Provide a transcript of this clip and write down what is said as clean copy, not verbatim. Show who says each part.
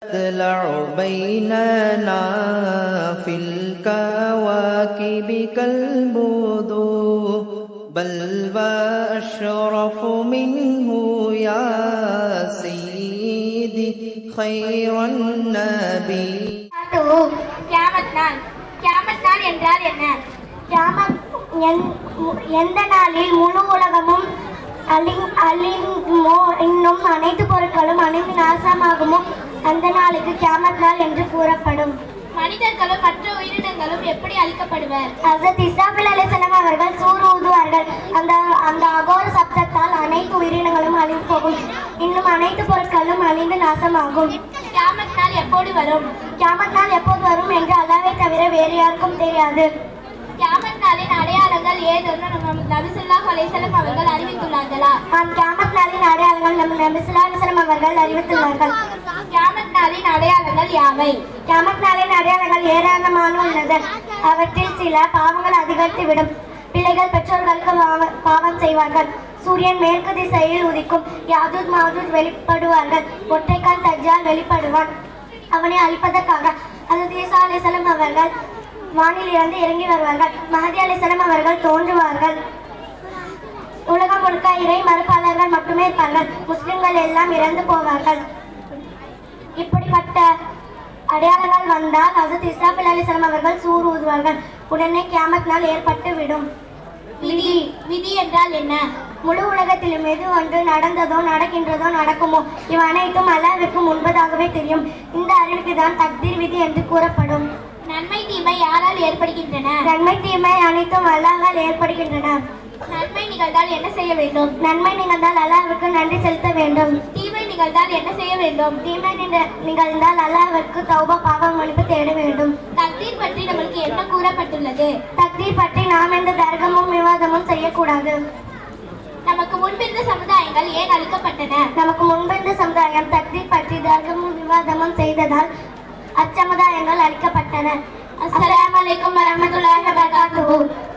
Speaker 1: تطلع بيننا في الكواكب كالبدور بل وأشرف منه يا سيدي خير النبي.
Speaker 2: கியாமத் நாள். கியாமத் நாள் என்றால் என்ன? கியாமத் எந்த நாளில் முழு உலகமும் அழியுமோ, இன்னும் அனைத்து பொருட்களும் அழிந்து நாசமாகுமோ அந்த நாளுக்கு கியாமத் நாள் என்று கூறப்படும். மனிதர்களும் மற்ற உயிரினங்களும் எப்படி அழிக்கப்படுவர்? ஹஸரத் இஸ்ராஃபில் அலைஹிஸ்ஸலாம் அவர்கள் சூர் ஊதுவார்கள். அந்த அகோர சப்தத்தால் அனைத்து உயிரினங்களும் அழிந்து போகும், இன்னும் அனைத்து பொருட்களும் அழிந்து நாசமாகும். கியாமத் நாள் எப்போது வரும்? கியாமத் நாள் எப்போது வரும் என்று அல்லாஹ்வை தவிர வேறு யாருக்கும் தெரியாது. கியாமத் நாளின் அடையாளங்கள் ஏதென்று நபி ஸல்லல்லாஹு அலைஹி வஸல்லம் அவர்கள் அறிவித்துள்ளார்களா? கியாமத் நாளின் அடையாளங்கள் நபி ஸல்லல்லாஹு அலைஹி வஸல்லம் அவர்கள் அறிவித்துள்ளார்கள். கியாமத் நாளின் அடையாளங்கள் யாவை? கியாமத் நாளின் அடையாளங்கள் ஏராளமான உள்ளது. அவற்றில் சில பாவங்கள் அதிகரித்துவிடும். பிள்ளைகள் பெற்றோர்களுக்கு பாவம் செய்வார்கள். சூரியன் மேற்கு திசையில் உதிக்கும். யாஜூஜ் மாஜூஜ் வெளிப்படுவார்கள். ஒற்றைக்கால் தஜ்ஜால் வெளிப்படுவான். அவனை அழிப்பதற்காக ஹஸரத் ஈசா அலைஹிஸ்ஸலாம் அவர்கள் வானில் இருந்து இறங்கி வருவார்கள். மஹதி அலைஹிஸ்ஸலாம் அவர்கள் தோன்றுவார்கள். உலகம் முழுக்க இறை மறுப்பாளர்கள் மட்டுமே இருப்பார்கள். முஸ்லிம்கள் எல்லாம் இறந்து போவார்கள். இப்படிப்பட்ட அடையாளங்கள் வந்தால் ஹஸரத் இஸ்ராஃபில் அலைஹிஸ்ஸலாம் அவர்கள் சூர் ஊதுவார்கள். உடனே கியாமத் நாள் ஏற்பட்டு விடும். விதி என்றால் என்ன? முழு உலகத்திலும் எது ஒன்று நடந்ததோ நடக்கின்றதோ நடக்குமோ இவை அனைத்தும் அல்லாஹ்விற்கு முன்பதாகவே தெரியும். இந்த அறிவுக்கு தான் தக்தீர் விதி என்று கூறப்படும். நன்மை தீமை யாரால் ஏற்படுகின்றன? நன்மை தீமை அனைத்தும் அல்லாஹ்வால் ஏற்படுகின்றன. நன்மை நிகழ்ந்தால் என்ன செய்ய வேண்டும்? நன்மை நிகழ்ந்தால் அல்லாஹ்விற்கு நன்றி செலுத்த வேண்டும். தீமை நிகழ்ந்தால் என்ன செய்ய வேண்டும்? தீமை நிகழ்ந்தால் அல்லாஹ்விற்கு தௌபா பாவ மன்னிப்பு தேட வேண்டும். தக்தீர் பற்றி நமக்கு என்ன கூறப்பட்டுள்ளது? தக்தீர் பற்றி நாம் எந்த தர்க்கமும் விவாதமும் செய்யக்கூடாது. நமக்கு முன்பிருந்த சமுதாயங்கள் ஏன் அழிக்கப்பட்டன? நமக்கு முன்பிருந்த சமுதாயம் தக்தீர் பற்றி தர்க்கமும் விவாதமும் செய்ததால் அச்சமுதாயங்கள் அழிக்கப்பட்டன. அஸ்ஸலாமு அலைக்கும் வரஹ்மத்துல்லாஹி வபரகாத்துஹு.